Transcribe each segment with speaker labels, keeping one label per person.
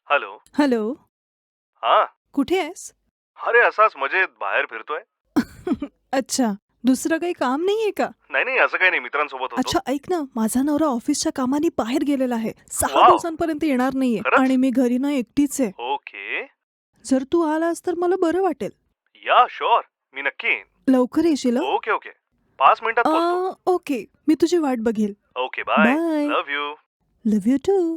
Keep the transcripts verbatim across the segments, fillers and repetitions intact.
Speaker 1: Hello.
Speaker 2: Hello.
Speaker 1: हा.
Speaker 2: कुठे आहेस?
Speaker 1: अरे असाच मजेत बाहेर फिरतोय.
Speaker 2: अच्छा, दुसरं काही काम नाहीये का?
Speaker 1: नाही नाही असं काही नाही, मित्रांसोबत होतो.
Speaker 2: अच्छा, ऐक ना, माझा नवरा ऑफिसच्या कामाने बाहेर गेलेला आहे. सहा
Speaker 1: वाव.
Speaker 2: दिवसांपर्यंत येणार नाहीये
Speaker 1: खरंच?
Speaker 2: आणि मी घरी ना एकटीच आहे.
Speaker 1: ओके.
Speaker 2: जर तू आलास तर मला बरं वाटेल.
Speaker 1: या शुअर, मी नक्की येईन.
Speaker 2: लवकर येशील हं?
Speaker 1: ओके ओके, पाच मिनिटात पोहोचतो.
Speaker 2: अं, ओके, मी तुझी वाट बघेल.
Speaker 1: Okay bye.
Speaker 2: Bye.
Speaker 1: Love you.
Speaker 2: Love you too.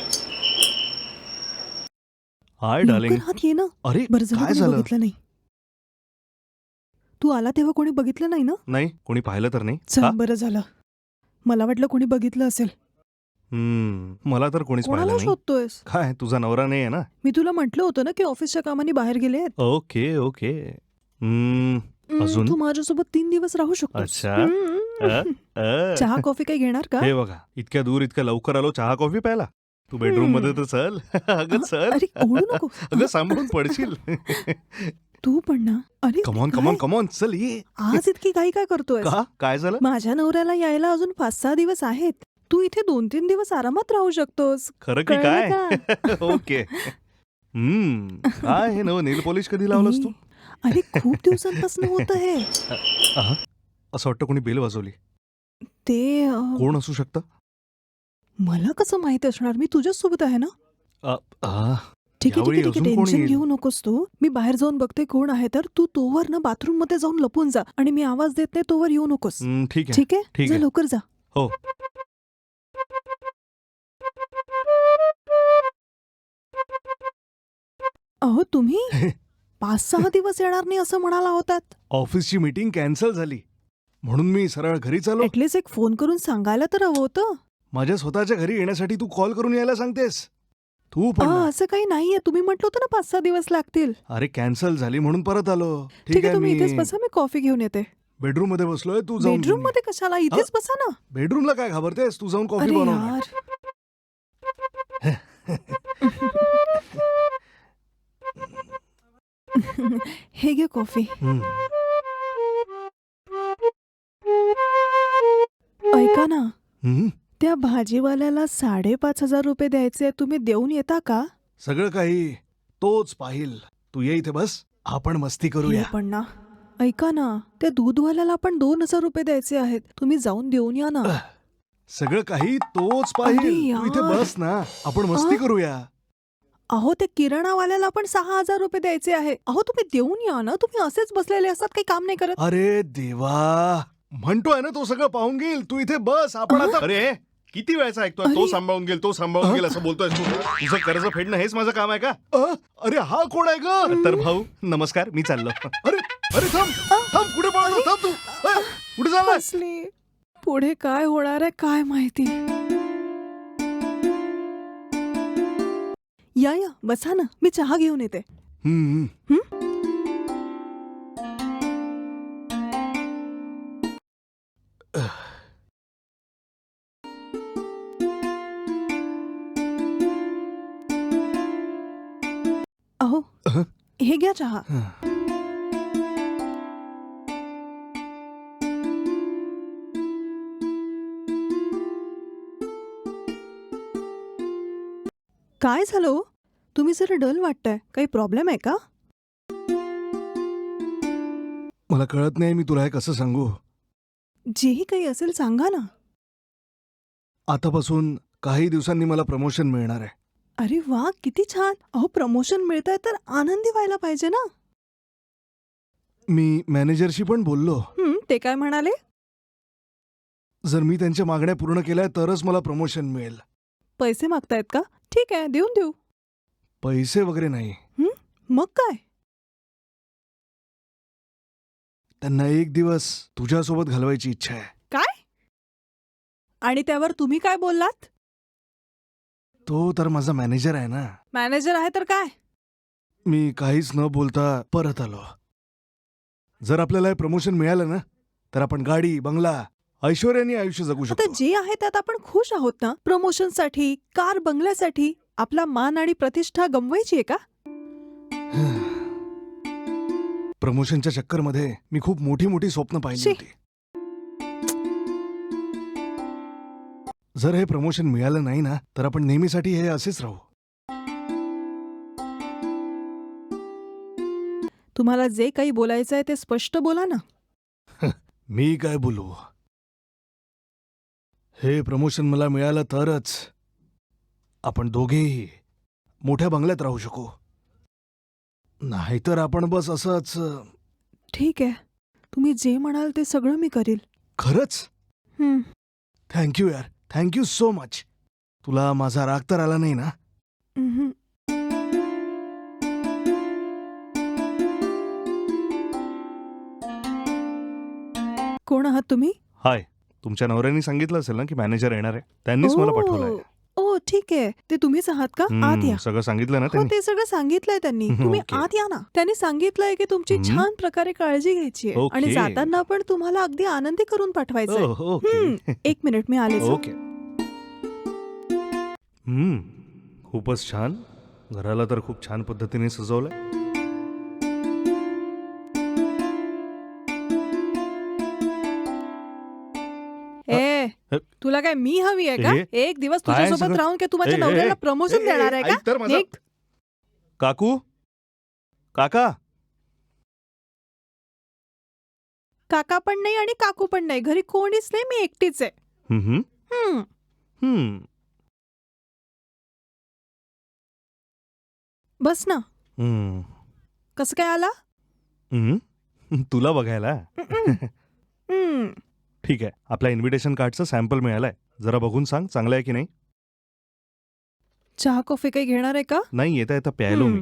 Speaker 3: Hi
Speaker 2: लवकर
Speaker 3: डार्लिंग.
Speaker 2: आत ये ना.
Speaker 3: अरे
Speaker 2: बरं झालं
Speaker 3: काय
Speaker 2: कोणी
Speaker 3: झालं?
Speaker 2: बघितलं नाही. तू आला तेव्हा कोणी बघितलं नाही ना?
Speaker 3: नाही, कोणी पाहिलं तर नाही
Speaker 2: चल,
Speaker 3: का?
Speaker 2: बरं झालं. मला वाटलं कोणी बघितलं असेल.
Speaker 3: हम्म, मला तर कोणीच
Speaker 2: कोणाला
Speaker 3: पाहिलं नाही.
Speaker 2: शोधतोयस?
Speaker 3: काय तुझा नवरा नाही आहे ना?
Speaker 2: मी तुला म्हटलं होतं ना की ऑफिसच्या कामाने बाहेर गेले आहेत.
Speaker 3: Okay okay. हम्म,
Speaker 2: हम्म,
Speaker 3: अजून?
Speaker 2: तू माझ्यासोबत तीन दिवस राहू शकतोस.
Speaker 3: अच्छा.
Speaker 2: हम्म.
Speaker 3: अ, अ.
Speaker 2: चहा कॉफी काही घेणार का?
Speaker 3: हे बघा, इतक्या दूर इतक्या लवकर आलो, चहा कॉफी प्यायला. तू बेडरूम मध्ये तर चल. अगं
Speaker 2: अ,
Speaker 3: चल.
Speaker 2: अरे ओढू नको.
Speaker 3: अगं सांभाळून पडशील.
Speaker 2: तू पण ना. अरे
Speaker 3: कमॉन
Speaker 2: काय?
Speaker 3: कमॉन कमॉन चल ये.
Speaker 2: आज इतकी घाई काय करतोय?
Speaker 3: का काय झालं?
Speaker 2: माझ्या नवऱ्याला यायला अजून पाच सहा दिवस आहेत. तू इथे दोन तीन दिवस आरामात राहू शकतोस.
Speaker 3: खरं की
Speaker 2: कळलं
Speaker 3: काय?
Speaker 2: का?
Speaker 3: ओके. हम्म, काय हे नवं नेल पॉलिश कधी लावलंस तू?
Speaker 2: ए, अरे खूप दिवसांपासून होत हे.
Speaker 3: अहं, असं वाटतं कोणी बेल वाजवली.
Speaker 2: ते अ,
Speaker 3: कोण असू शकतं?
Speaker 2: मला कसं माहित असणार? मी तुझ्याच सोबत आहे ना.
Speaker 3: अ, आ,
Speaker 2: ठीक आहे ठीक
Speaker 3: यावेळी
Speaker 2: आहे ठीक आहे
Speaker 3: अजून कोण
Speaker 2: टेन्शन
Speaker 3: येईल?
Speaker 2: घेऊ नकोस तू. मी बाहेर जाऊन बघते कोण आहे तर तू तोवर ना बाथरूम मध्ये जाऊन लपून जा आणि मी आवाज देत नाही तोवर येऊ नकोस.
Speaker 3: हं, ठीक आहे.
Speaker 2: ठीक आहे
Speaker 3: ठीक
Speaker 2: जा
Speaker 3: आहे.
Speaker 2: लवकर जा.
Speaker 3: हो.
Speaker 2: अहो तुम्ही पाच सहा दिवस येणार नाही असं म्हणाला होतात.
Speaker 3: ऑफिसची मीटिंग कॅन्सल झाली म्हणून मी सरळ घरी चालो.
Speaker 2: ऍटलीस्ट एक फोन करून सांगायला तर हवं होतं.
Speaker 3: माझ्या स्वतःच्या घरी येण्यासाठी तू कॉल करून यायला सांगतेस. तू पण
Speaker 2: आ,
Speaker 3: ना.
Speaker 2: असं काही नाहीये. तुम्ही म्हटलं होतं ना पाच सहा दिवस लागतील.
Speaker 3: अरे कॅन्सल झाली म्हणून परत आलो.
Speaker 2: ठीक
Speaker 3: ठीक
Speaker 2: आहे
Speaker 3: आहे,
Speaker 2: तुम्ही इथेच
Speaker 3: मी
Speaker 2: बसा मी कॉफी घेऊन येते.
Speaker 3: बेडरूम मध्ये बसलोय, तू जाऊन
Speaker 2: बेडरूम
Speaker 3: घेऊन ये.
Speaker 2: मध्ये कशाला इथेच बसा ना.
Speaker 3: बेडरूमला काय घाबरतेस? तू जाऊन कॉफी
Speaker 2: अरे
Speaker 3: बनव ना.
Speaker 2: यार. हे घे कॉफी.
Speaker 3: हं.
Speaker 2: ऐका ना
Speaker 3: हं?
Speaker 2: त्या भाजीवाल्याला साडेपाच हजार रुपये द्यायचे तुम्ही देऊन येता का?
Speaker 3: सगळं काही तोच पाहिल. तू ये इथे बस, आपण मस्ती
Speaker 2: हे
Speaker 3: करूया.
Speaker 2: पण ना. ऐका ना त्या दूधवाल्याला पण दोन हजार रुपये द्यायचे आहेत. तुम्ही जाऊन देऊन या ना.
Speaker 3: सगळं काही तोच
Speaker 2: अरे
Speaker 3: पाहिल. तू इथे
Speaker 2: यार.
Speaker 3: बस ना, आपण मस्ती
Speaker 2: आ?
Speaker 3: करूया.
Speaker 2: अहो त्या किराणावाल्याला पण सहा हजार रुपये द्यायचे आहे. अहो तुम्ही देऊन या ना. तुम्ही असेच बसलेले असतात काही काम नाही करत.
Speaker 3: अरे देवा, म्हणतोय ना तो सगळं पाहून घेईल. तू इथे बस, आपण आता. अरे किती वेळाचा ऐकतोय, तो
Speaker 2: अरे.
Speaker 3: सांभाळून घेईल, तो सांभाळून घेईल असं बोलतोय तू. तुझं कर्ज फेडणं हेच माझं काम आहे का? अ, अरे हा कोण आहे ग? तर भाऊ नमस्कार, मी चाललो. अरे अरे थांब थांब, कुठे पळाला? थांब तू. अ, कुठे चाललाय?
Speaker 2: फसली. पुढे काय होणार आहे काय माहिती. या या बसा ना मी चहा घेऊन येते.
Speaker 3: हम्म,
Speaker 2: हं? अहो
Speaker 3: अहं.
Speaker 2: हे घ्या चहा.
Speaker 3: हं.
Speaker 2: काय झालं हो? तुम्ही जरा डल वाटताय. काही प्रॉब्लेम आहे का?
Speaker 3: मला कळत नाही मी तुला हे कसं सांगू.
Speaker 2: जेही काही असेल सांगा ना.
Speaker 3: आतापासून काही दिवसांनी मला प्रमोशन मिळणार आहे.
Speaker 2: अरे वा किती छान. अहो प्रमोशन मिळतंय तर आनंदी व्हायला पाहिजे ना.
Speaker 3: मी मॅनेजरशी पण बोललो.
Speaker 2: हं, ते काय म्हणाले?
Speaker 3: जर मी त्यांच्या मागण्या पूर्ण केल्या तरच मला प्रमोशन मिळेल.
Speaker 2: पैसे मागतायत का? ठीक आहे देऊन देऊ.
Speaker 3: पैसे वगैरे नाही.
Speaker 2: मग काय?
Speaker 3: त्यांना एक दिवस तुझ्यासोबत घालवायची इच्छा आहे.
Speaker 2: काय? आणि त्यावर तुम्ही काय बोललात?
Speaker 3: तो तर माझा मॅनेजर आहे ना.
Speaker 2: मॅनेजर आहे तर काय?
Speaker 3: मी काहीच न बोलता परत आलो. जर आपल्याला हे प्रमोशन मिळालं ना तर आपण गाडी बंगला ऐश्वर्याने आयुष्य जगू
Speaker 2: आता
Speaker 3: शकतो.
Speaker 2: जे आहे त्यात आपण खुश आहोत ना. प्रमोशनसाठी कार बंगल्यासाठी आपला मान आणि प्रतिष्ठा गमवायची आहे का?
Speaker 3: प्रमोशनच्या चक्करमध्ये मी खूप मोठी मोठी स्वप्न पाहिली
Speaker 2: शी.
Speaker 3: होती. जर हे प्रमोशन मिळालं नाही ना तर आपण नेहमीसाठी हे असेच राहू.
Speaker 2: तुम्हाला जे काही बोलायचं आहे ते स्पष्ट बोला ना.
Speaker 3: मी काय बोलू? हे प्रमोशन मला मिळालं तरच आपण दोघेही मोठ्या बंगल्यात राहू शकू. नाहीतर आपण बस असंच.
Speaker 2: ठीक आहे, तुम्ही जे म्हणाल ते सगळं मी करील.
Speaker 3: खरंच?
Speaker 2: हं.
Speaker 3: थँक्यू यार, थँक्यू सो मच. तुला माझा राग तर आला नाही ना?
Speaker 2: उम्हम. कोण आहात तुम्ही?
Speaker 3: हाय, तुमच्या नवऱ्याने सांगितलं असेल ना की मॅनेजर येणार आहे. त्यांनीच मला पाठवलंय.
Speaker 2: ओ ओ, ठीक आहे. ते तुम्हीच आहात का? आत
Speaker 3: हम्म,
Speaker 2: या.
Speaker 3: सगळं सांगितलं ना
Speaker 2: हो,
Speaker 3: त्यांनी?
Speaker 2: ते सगळं सांगितलंय त्यांनी.
Speaker 3: हम्म,
Speaker 2: तुम्ही
Speaker 3: ओके.
Speaker 2: आत या ना. त्यांनी सांगितलंय की तुमची
Speaker 3: हम्म.
Speaker 2: छान प्रकारे काळजी घ्यायची आहे आणि
Speaker 3: ओके.
Speaker 2: जाताना पण तुम्हाला अगदी आनंदी करून पाठवायचंय.
Speaker 3: ओह, ओके.
Speaker 2: हम्म, एक मिनिट, मी आलेच. हं.
Speaker 3: ओके. हम्म, खूपच छान. घराला तर खूप छान पद्धतीने सजवलंय.
Speaker 2: ए,
Speaker 3: अ,
Speaker 2: तुला काय मी हवी आहे का?
Speaker 3: ए,
Speaker 2: एक दिवस
Speaker 3: काय
Speaker 2: तुझ्यासोबत
Speaker 3: सगळं?
Speaker 2: राहून की तू माझ्या
Speaker 3: ए, ए,
Speaker 2: नवऱ्याला
Speaker 3: ए,
Speaker 2: प्रमोशन
Speaker 3: ए,
Speaker 2: देणार आहे
Speaker 3: ऐक तर
Speaker 2: का?
Speaker 3: माझं.
Speaker 2: निघ.
Speaker 3: काकू, काका.
Speaker 2: काका पण नाही आणि काकू पण नाही. घरी कोणीच नाही, मी एकटीच आहे.
Speaker 3: हम्म,
Speaker 2: हं.
Speaker 3: हम्म,
Speaker 2: बस ना.
Speaker 3: हम्म,
Speaker 2: कसं काय आला?
Speaker 3: हम्म. तुला बघायला.
Speaker 2: हं. हं.
Speaker 3: ठीक आहे, आपल्या इन्व्हिटेशन कार्डचं सॅम्पल मिळालंय. जरा बघून सांग चांगलं आहे की नाही.
Speaker 2: चहा कॉफी काही घेणार आहे का?
Speaker 3: नाही, येता येता प्यायलो मी.
Speaker 2: हं.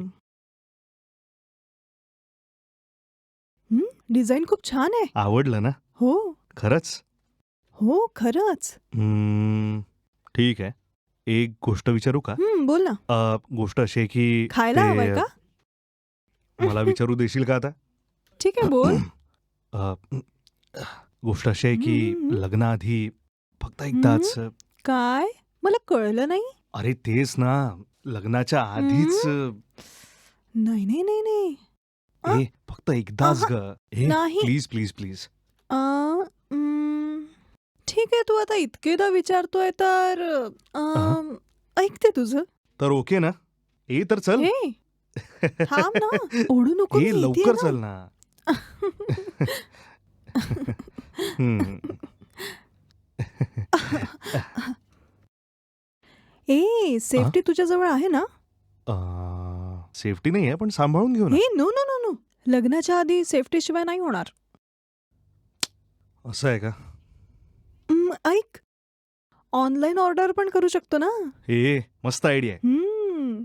Speaker 2: हं, डिझाईन खूप छान आहे.
Speaker 3: आवडलं ना?
Speaker 2: हो
Speaker 3: खरंच?
Speaker 2: हो, खरंच.
Speaker 3: हम्म, ठीक आहे. एक गोष्ट विचारू का?
Speaker 2: हं, बोल ना.
Speaker 3: अ, गोष्ट अशी आहे की
Speaker 2: खायला
Speaker 3: ते-
Speaker 2: हवंय का?
Speaker 3: मला विचारू देशील का आता?
Speaker 2: ठीक आहे, बोल.
Speaker 3: अ, गोष्ट अशी आहे की
Speaker 2: हम्म.
Speaker 3: लग्नाआधी फक्त एकदाच.
Speaker 2: काय? मला कळलं नाही.
Speaker 3: अरे तेच ना, लग्नाच्या आधीच.
Speaker 2: नाही नाही नाही नाही. अ,
Speaker 3: ए फक्त एकदाच ग. ए
Speaker 2: नाही.
Speaker 3: Please please please.
Speaker 2: Uh, um, ठीक आहे, तू आता इतकेदा विचारतोय तर अम, ऐकते तुझं.
Speaker 3: तर ओके ना? ए तर चल.
Speaker 2: हे थांब ना, ओढू नको.
Speaker 3: ए
Speaker 2: मी इथे
Speaker 3: लवकर
Speaker 2: आहे
Speaker 3: चल ना. हम्म.
Speaker 2: ए, सेफ्टी तुझ्याजवळ आहे ना?
Speaker 3: सेफ्टी नाही आहे पण सांभाळून घेऊ ना.
Speaker 2: हे नो नो नो नो, लग्नाच्या आधी सेफ्टी शिवाय नाही होणार.
Speaker 3: असं आहे का?
Speaker 2: उम्म, ऐक, ऑनलाईन ऑर्डर पण करू शकतो ना.
Speaker 3: ए मस्त आयडिया आहे.
Speaker 2: हम्म.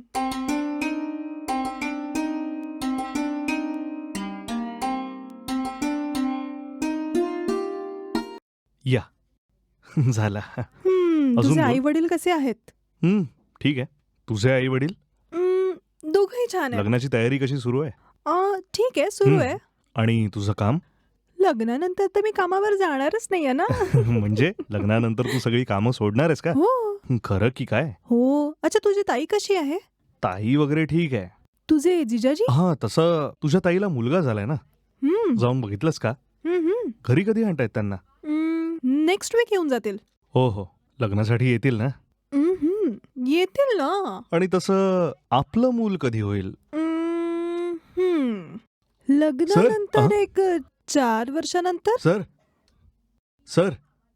Speaker 3: या झाला.
Speaker 2: हम्म,
Speaker 3: अजून
Speaker 2: तुझे
Speaker 3: बोल.
Speaker 2: आई वडील कसे आहेत?
Speaker 3: हम्म, ठीक आहे. तुझे आई वडील?
Speaker 2: उम्म, दोघंही छान आहेत.
Speaker 3: लग्नाची तयारी कशी सुरू आहे?
Speaker 2: अ, ठीक आहे, सुरू
Speaker 3: हम्म.
Speaker 2: आहे.
Speaker 3: आणि तुझं काम?
Speaker 2: लग्नानंतर तर मी कामावर जाणारच नाहीये ना.
Speaker 3: म्हणजे लग्नानंतर तू सगळी कामं सोडणार आहेस का?
Speaker 2: हो
Speaker 3: खरं की काय?
Speaker 2: हो. अच्छा, तुझी ताई कशी आहे?
Speaker 3: ताई वगैरे ठीक आहे.
Speaker 2: तुझे जिजाजी?
Speaker 3: हा तसं तुझ्या ताईला मुलगा झालाय ना?
Speaker 2: हम्म.
Speaker 3: जाऊन बघितलंस का?
Speaker 2: हम्म, हम्म.
Speaker 3: घरी कधी आणतायत त्यांना?
Speaker 2: हम्म, नेक्स्ट वीक येऊन जातील.
Speaker 3: हो हो, लग्नासाठी येतील ना?
Speaker 2: हम्म, हम्म. येतील ना.
Speaker 3: आणि तसं आपलं मूल कधी होईल?
Speaker 2: हम्म, हम्म. लग्नानंतर
Speaker 3: अहं.
Speaker 2: एक चार वर्षानंतर.
Speaker 3: सर सर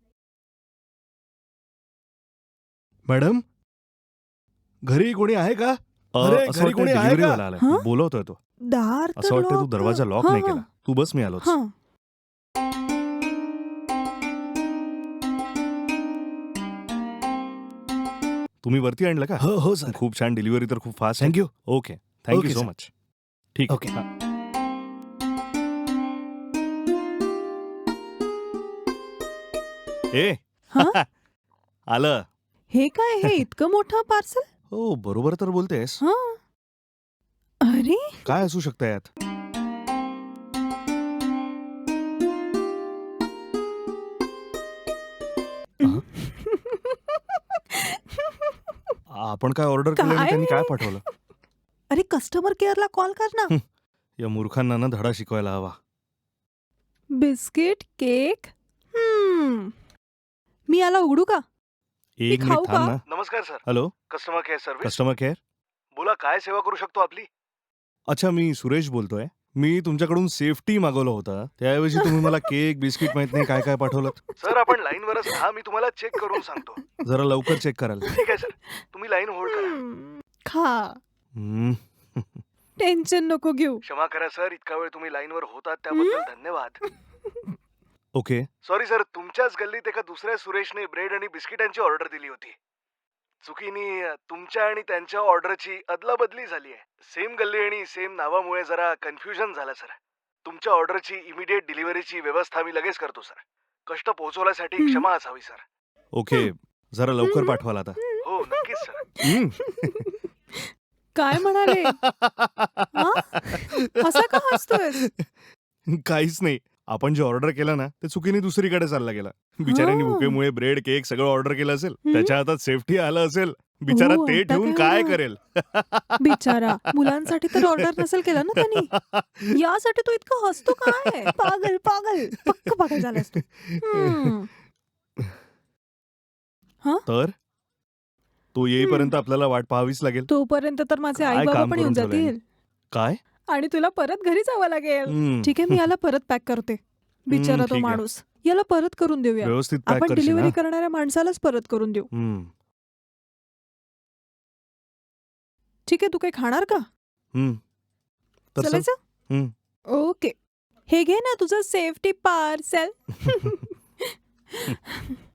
Speaker 3: मॅडम, घरी कोणी आहे का? अ,
Speaker 4: अरे,
Speaker 3: असं
Speaker 4: घरी
Speaker 3: वाटतंय
Speaker 4: कोणी आहे
Speaker 3: delivery
Speaker 4: का?
Speaker 3: वाला आलाय.
Speaker 2: हं?
Speaker 3: बोलवतोय तो.
Speaker 2: दार
Speaker 3: असं
Speaker 2: तर
Speaker 3: वाटतंय तू
Speaker 2: lock-
Speaker 3: दरवाजा लॉक
Speaker 2: हां,
Speaker 3: नाही
Speaker 2: हां,
Speaker 3: केला. तू बस, मी आलोच.
Speaker 2: हां.
Speaker 3: तुम्ही वरती आणलं का?
Speaker 4: हो हो सर.
Speaker 3: खूप छान, डिलिव्हरी तर खूप फास्ट आहे.
Speaker 4: Thank you.
Speaker 3: Okay, thank you
Speaker 4: okay,
Speaker 3: so
Speaker 4: sir.
Speaker 3: Much. ठीक आहे.
Speaker 4: ओके.
Speaker 3: हां. ए
Speaker 2: हं?
Speaker 3: आलं.
Speaker 2: हे काय, हे इतकं मोठं पार्सल?
Speaker 3: हो बरोबर तर बोलतेस.
Speaker 2: हा. अरे,
Speaker 3: काय असू शकतं यात? अहं. आपण काय ऑर्डर केलं आणि
Speaker 2: काय?
Speaker 3: त्यांनी काय पाठवलं?
Speaker 2: अरे, कस्टमर केअरला कॉल कर ना.
Speaker 3: हं. या मूर्खांना ना धडा शिकवायला हवा.
Speaker 2: Biscuit, cake. हम्म. मी याला उघडू का?
Speaker 3: एक
Speaker 2: खाऊ
Speaker 3: मिनिट थांब
Speaker 2: का?
Speaker 3: ना.
Speaker 1: नमस्कार sir,
Speaker 3: hello,
Speaker 1: customer care service.
Speaker 3: Customer care.
Speaker 1: बोला, काय सेवा करू शकतो आपली?
Speaker 3: अच्छा, मी सुरेश बोलतोय. मी तुमच्याकडून सेफ्टी मागवलं होता त्याऐवजी तुम्ही मला केक बिस्किट माहित नाही काय काय पाठवलं.
Speaker 1: सर आपण लाईनवरच राहा, मी तुम्हाला चेक करून सांगतो.
Speaker 3: जरा लवकर चेक कराल.
Speaker 1: ठीक आहे सर, तुम्ही लाईन होल्ड करा.
Speaker 2: हम्म, खा.
Speaker 3: हम्म.
Speaker 2: टेन्शन नको घेऊ.
Speaker 1: क्षमा करा सर, इतका वेळ तुम्ही लाईनवर होतात त्याबद्दल धन्यवाद.
Speaker 3: ओके.
Speaker 1: सॉरी सर, तुमच्याच गल्लीत एका दुसऱ्या सुरेशने ब्रेड आणि बिस्किटांची ऑर्डर दिली होती. चुकीने अ, तुमच्या आणि त्यांच्या ऑर्डरची अदलाबदली झाली आहे. सेम गल्ली आणि सेम नावामुळे जरा कन्फ्युजन झालं सर. तुमच्या ऑर्डरची इमिडिएट डिलिव्हरीची व्यवस्था मी लगेच करतो सर. कष्ट पोहोचवण्यासाठी
Speaker 2: हम्म.
Speaker 1: क्षमा असावी सर.
Speaker 3: ओके जरा लवकर
Speaker 2: हम्म.
Speaker 3: पाठवाल आता.
Speaker 1: हो नक्कीच सर.
Speaker 3: हम्म.
Speaker 2: काय म्हणाले? हा? असा का हसतोयस?
Speaker 3: काहीच नाही. आपण जे ऑर्डर केलं ना ते चुकीने दुसरीकडे चालला गेला. बिचाऱ्यांनी
Speaker 2: हा.
Speaker 3: भुकेमुळे ब्रेड केक सगळं ऑर्डर केलं असेल.
Speaker 2: हम्म.
Speaker 3: त्याच्या हातात सेफ्टी आलं असेल. बिचारा
Speaker 2: हो,
Speaker 3: ते
Speaker 2: आता
Speaker 3: ठेवून
Speaker 2: काय
Speaker 3: काय
Speaker 2: होणार?
Speaker 3: करेल.
Speaker 2: बिचारा मुलांसाठी तर ऑर्डर नसेल केलं ना त्यांनी. यासाठी तो इतका हसतो काय? पागल पागल पक्क पागल झालास तू. हम्म.
Speaker 3: तर तो येईपर्यंत आपल्याला वाट पाहावीच लागेल.
Speaker 2: तोपर्यंत तर माझे
Speaker 3: काय
Speaker 2: आई बाबा
Speaker 3: काम
Speaker 2: पण येऊन
Speaker 3: करून ठेवलंय?
Speaker 2: जातील
Speaker 3: काय?
Speaker 2: आणि तुला परत घरी जावं लागेल.
Speaker 3: हम्म.
Speaker 2: ठीक आहे मी याला परत पॅक करते. बिचारा
Speaker 3: हम्म,
Speaker 2: तो
Speaker 3: ठीक आहे.
Speaker 2: माणूस. याला परत करून देऊया.
Speaker 3: व्यवस्थित पॅक
Speaker 2: आपण
Speaker 3: करशील
Speaker 2: डिलिव्हरी
Speaker 3: ना?
Speaker 2: करणाऱ्या माणसालाच परत करून देऊ.
Speaker 3: हम्म.
Speaker 2: ठीक आहे तू काही खाणार का?
Speaker 3: हम्म. तर चल.
Speaker 2: चालायचं?
Speaker 3: हम्म.
Speaker 2: ओके हे घे ना तुझं सेफ्टी पार्सल.